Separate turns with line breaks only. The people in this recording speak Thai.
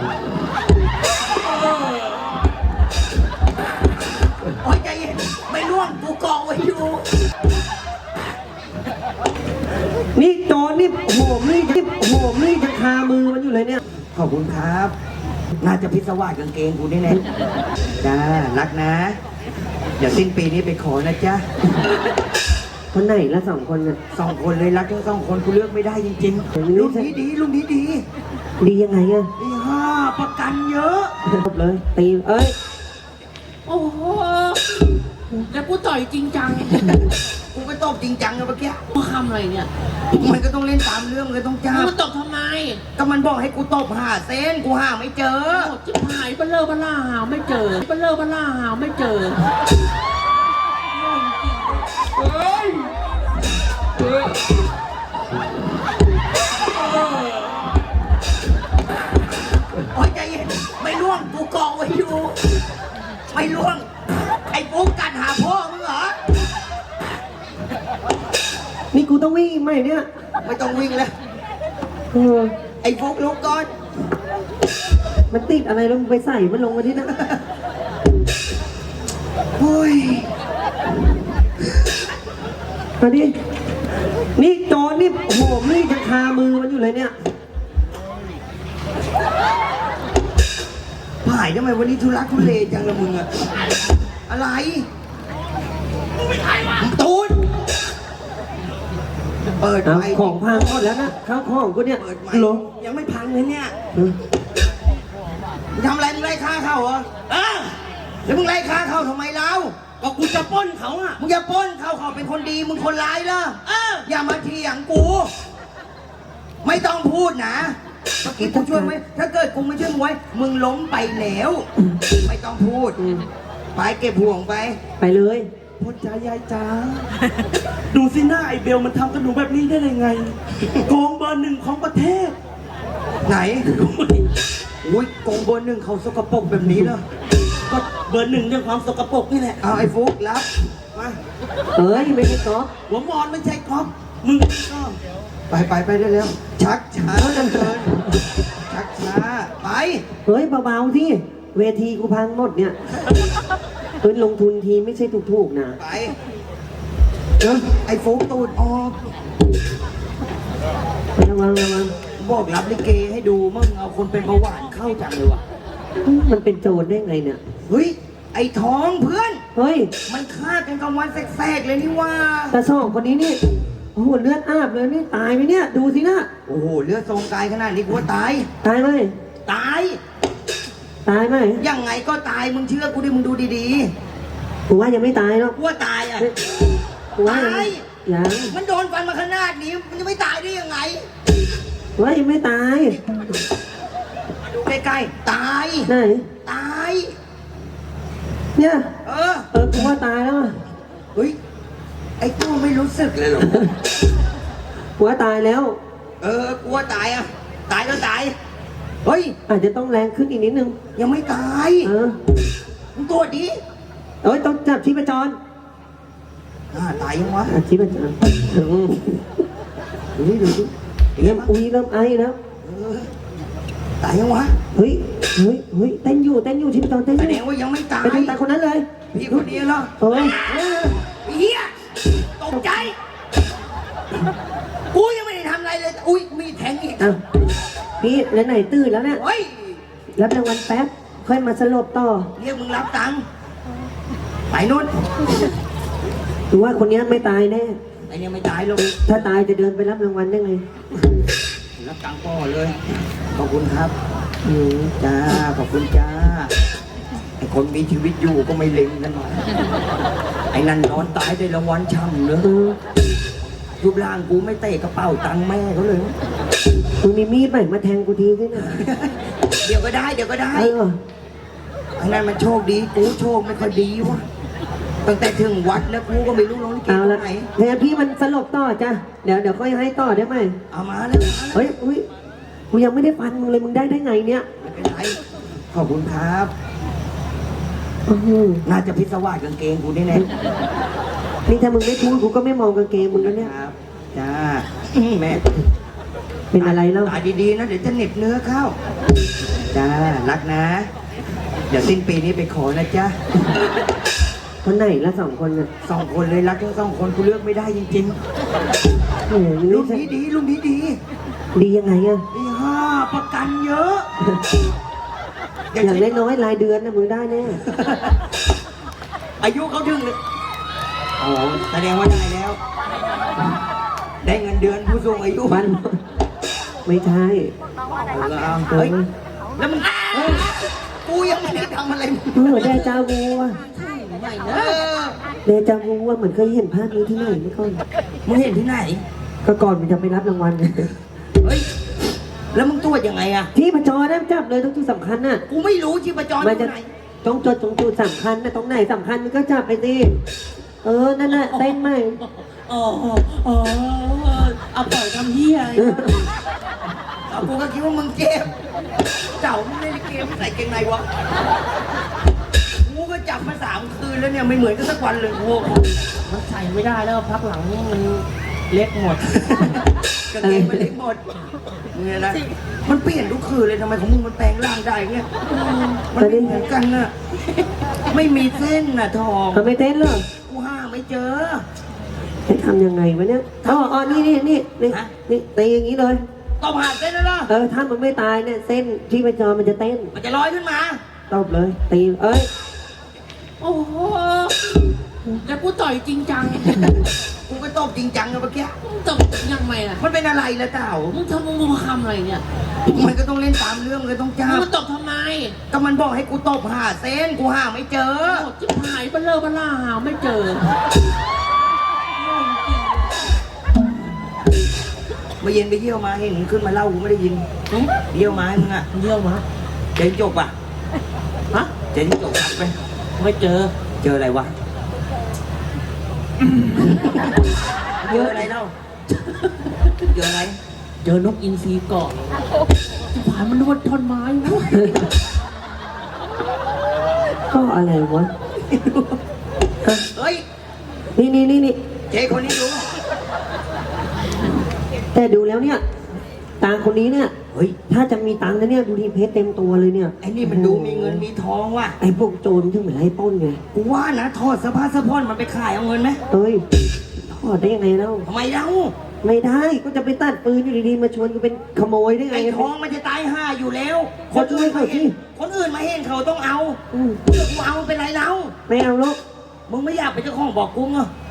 โอ้ยใจเย็นไม่ร่วงกูกองไว้อยู่
นี่โจรนี่โหมนี่จะคามือมันอยู่เลยเนี่ย
ขอบคุณครับน่าจะพิศวาสกางเกงกูนี่แน่จ้ารักนะเดี๋ยวสิ้นปีนี้ไปขอนะจ๊ะ
คนไหนละ2 คนน่ะ
2 คนเลยรักทั้ง2 คนกูเลือกไม่ได้จริงๆลุงนี้ดีลุงนี้ดี
ดียังไงอะ
ดีประกันเยอะ
จบเลยตีเอ้ย
โอ้โหแล้วกูต่อยจริงจัง
กูก็ตบจริงจังเลยเมื่อกี้
มึงทำอะไรเนี่ย
มันก็ต้องเล่นตามเรื่องเลยต้องจ้า
มึงตบทำไม
ก็มันบอกให้กูตบ5 เส้นกูหาไม่เจอ
โอ้จิ๊บหายเบลเลอร์เบล่าหาไม่เจอเบลเลอร์เบล่าหาไม่เจอ
เฮ้ยโอ้ยใจเย็นไม่ร่วงกูกองไว้อยู่ไม่ร่วงไอ้ปุ๊กกัดหาพ่อมึงเหรอ
นี่กูต้องวิ่งไหมเนี่ย
ไม่ต้องวิ่งแล้วไอ้ฟุกลุกก่อน
มันติดอะไรลงไปใส่มันลงมาที่นั่น
โอ้ย
มาดินี่โจรนี่โหมนี่จะคามือมันอยู่เลยเนี่ย
ผ่ายทำไมวันนี้ทุลักทุเลจังละมึงอะอะไรตูนเปิดไฟ
ของพังหมดแล้วนะข้าวของกูเนี่ย
เปิดไฟ
หรอ
ยังไม่พังเลยเนี่ยมึงทำอะไรมึงไล่ฆ่าเขาเหรอแล้วมึงไล่ฆ่าเขาทำไมเราก็กูจะปล้นเขาอะมึงอย่าปล้นเขาเป็นคนดีมึงคนร้ายเหรออย่ามาเถียงกูไม่ต้องพูดนะเมื่อกี้กูช่วยไหมถ้าเกิดกูไม่ช่วยมึงไว้มึงล้มไปแล้วไม่ต้องพูดไปเก็บห่วง
ไปเลย
พ่อจ๋ายายจ๋าดูสิหน้าไอเบลมันทำกับหนูแบบนี้ได้ยังไงโกงเบอร์ 1ของประเทศ
ไหนอุ้ยโกงเบอร์ 1เขาสกปรกแบบนี้เหรอ
ก็เบอร์ 1เรื่องความสกปรกนี่แหละ
เอาไอ้ฟุกรับมา
ไม่ใช่ก๊อฟ
หัวมอนไม่ใช่ก๊อฟมึงก็
ไปได้แล้วชักช้าจังเลยชักช้าไป
เบาๆที่เวทีกูพังหมดเนี่ยลงทุนทีไม่ใช่ถูกๆนะ
ไปไอ้ฟุกตูดออก
ระวัง
บอกรับลิเกให้ดูมึงเอาคนเป็นเบาหวานเข้าจังเลยว่ะ
มันเป็นโจรได้ไงเนี่ย
เฮ้ยไอ้ท้องเพื่อน
เฮ้ย
มันฆ่ากันกลางวันแสกๆเลยนี่ว่า
แต่2 คนนี้นี่โอ้โหเลือดอาบเลยนี่ตายไหมเนี่ยดูสินะ
โอ้โหเลือดทรงกายขนาดนี้กูว่าตาย
ไหม
ตาย
ไหม
ยังไงก็ตายมึงเชื่อกูดิมึงดูดี
ๆกูว่ายังไม่ตายหรอก
กูว่าตายอ่ะ
ตายยัง
มันโดนฟันมาขนาดนี้มันจะไม่ตายได้ยังไง
กูว่ายังไม่ตาย
ดูใกล้ๆตาย
ไหน
ตาย
เนี่ย
กู
ว่าตายแล้ว
เฮ้ยไอ้ตัวไม่รู้สึกเลยหรอ
กูว่าตายแล้ว
กูว่าตายอ่ะตายก็ตายเฮ้ย
อาจจะต้องแรงขึ้นอีกนิดนึง
ยังไม่ตายมึงตัวดี
ต้องจับชีพจร
ตายยังวะ
ชีพจรดูเริ่มไอแล้ว
ตายยังวะ
เฮ้ยเต้นอยู่ชีพจรเต้นอยู่
แสดงว่ายังไม่ตาย
ไปดูตาคนนั้นเลย
พี่คนนี้เหรอเฮียตกใจกูยังไม่ได้ทำอะไรเลยอุ้ยมีแทงอีก
พี่แล้วไหนตื่นแล้วเนี่ยรับรางวัลแป๊บค่อยมาสลบต่อ
เรียกมึงรับตังค์ไปนู่น
ดูว่าคนนี้ไม่ตายแน่
ไอ้เนี่ยไม่ตายหรอก
ถ้าตายจะเดินไปรับรางวัลได้ไง
รับตังค์พ่อเลยขอบคุณครับจ้าขอบคุณจ้าไอ้คนมีชีวิตอยู่ก็ไม่เล็งกันหน่อยไอ้นั่นนอนตายได้รางวัลช่ำเลยรูปร่างกูไม่เตะกระเป๋าตังค์แม่เขาเลย
มึงมีมีดไหมมาแทงกูทีสินะ
เดี๋ยวก็ได้ไอ้นั่นมันโชคดีกูโชคไม่ค่อยดีวะตั้งแต่ถึงวัดแล้วกูก็ไม่รู้น้องลิเกไหน
เนี่ยพี่มันสลบต่อจ้ะเดี๋ยวค่อยให้ต่อได้ไหม
เอามาเลย
เฮ้ยกูยังไม่ได้ฟันมึงเลยมึงได้ไงเนี่ย
ไม่เป็นไรขอบคุณครับน่าจะพิศวาสกางเกงกูแน่
นี่ถ้ามึงไม่พูดกูก็ไม่มองกางเกงมึงแล้วเนี่ย
ครับจ้าแม่
เป็นอะไรแล้ว
ตายดีๆนะเดี๋ยวจะเหน็บเนื้อเข้าจ้ารักนะ เดี๋ยวสิ้นปีนี้ไปขอนะจ๊ะ
คนไหนละ2 คนน่ะ
2 คนเลยรักทั้ง2 คนกูเลือกไม่ได้จริง
โอ้โห
ๆ
ลู
ลุ
ก
งนี้ดีลุงนี้ดี
ดียังไงอะ
ดีประกันเยอะ
อย่างน้อยๆรายเดือนนะมึงได้แน่
อายุเขาถึงเลยอ๋อแสดงว่าได้แล้ว ได้เงินเดือนผู้สูงอายุ
บ้านไม่ใช่
เฮ้ยแล้วมึงกูยังไม่ได้ทำอะไรมึง
เดจาวูอะ
เออ
เดจาวูอะเหมือนเคยเห็นภาพนี้ที่ไหนไม่ก่อน
มึงเห็นที่ไหน
ก็ก่อนมันจะไปรับรางวัล
เฮ้ยแล้วมึงตรวจยังไงอะ
ที่ประจอได้จับเลยต้องจุดสำคัญน่ะ
กูไม่รู้ชีพจรอ
มันจะ
ยู่ไหน
ต้องจดตรงจุดสำคัญนะตรงไหนสำคัญมันก็จับไปสินั่นน่ะเต้นไหม
อ๋อเอาปล่อยทำเฮียอะไรวะ
เอากูก็คิดว่ามึงเจ็บเจ้ามึงไม่ได้เกมใส่เกงในวะกูก็จับมา3 คืนแล้วเนี่ยไม่เหมือนกันสักวันเลยโว้
มันใส่ไม่ได้แล้วพักหลังนี่มันเล็กหมด
กางเกงมันเล็กหมดเนี่ยนะมันเปลี่ยนทุกคืนเลยทำไมของมึงมันแปลงร่างได้เนี่ยมันไม่เหมือนกันน่ะไม่มีเส้นน่ะทอง
เขาไม่เต้นหรอ
กูหาไม่เจอ
ให้ทำยังไงวะเนี่ยนี่ตีอย่างนี้เลย
ต้องหาเส้นแล้วล่ะ
ถ้ามันไม่ตายเนี่ยเส้นที่ประจอมันจะเต้น
มันจะลอยขึ้นมา
ตบเลยตีเอ้ย
โอ้โหแล้วกูต่อยจริงจัง
กูก็ตบจริงจังอะเมื่อกี้
มึงตบยังไงล่ะ
มันเป็นอะไรล่ะเต่า
มึงทำอะไรเนี่ย
มันก็ต้องเล่นตามเรื่องมันก็ต้องจ้า
มึงตบทำไม
ก็มันบอกให้กูตบหาเส้นกูหาไม่เจอ
โอ้จิ๊บหายเบลอเบล่าหาไม่เจอ
เมื่อเย็นไปเที่ยวมาเห็นมึงขึ้นมาเล่ากูไม่ได้ยินเที่ยวมาให้มึงอะ
เยี่ยวมา
เจนจบอะ
ฮะ
เจนจบไป
ไม่เจอ
เจออะไรวะเจออะไรเล่าเจออะไร
เจอนกอินทรีเกาะจิ๊บหายมันนวดท่อนไม้วะ
ก็อะไรวะ
เฮ้ย
นี่
เจ๊คนนี้ดู
แต่ดูแล้วเนี่ยตาคนนี้เนี่ย
เฮ้ย
ถ้าจะมีตังค์นะเนี่ยดูดีเพชรเต็มตัวเลยเนี่ย
ไอ้นี่มันดูมีเงินมีทองว่ะ
ไอ้พวกโจรที่เหมือนไล่ปล้นไง
กูว่านะทอดสะพานสะพอนมันไปขายเอาเงินไหม
เอ้ยทอดได้ยังไงแล้ว
ทำไมเล่า
ไม่ได้ก็จะไปตัดปืนอยู่ดีๆมาชวนกูเป็นขโมยได้ไง
ไอ้ทองมันจะตายห่าอยู่แล้ว
คนอื่นเขาที่
คนอื่นมาเห็นเขาต้องเอา
อืม
กูเอาเป็นไรเล่า
ไม่เอาลูก
มึงไม่อยากเป็นเจ้าของบอกกูเหรอ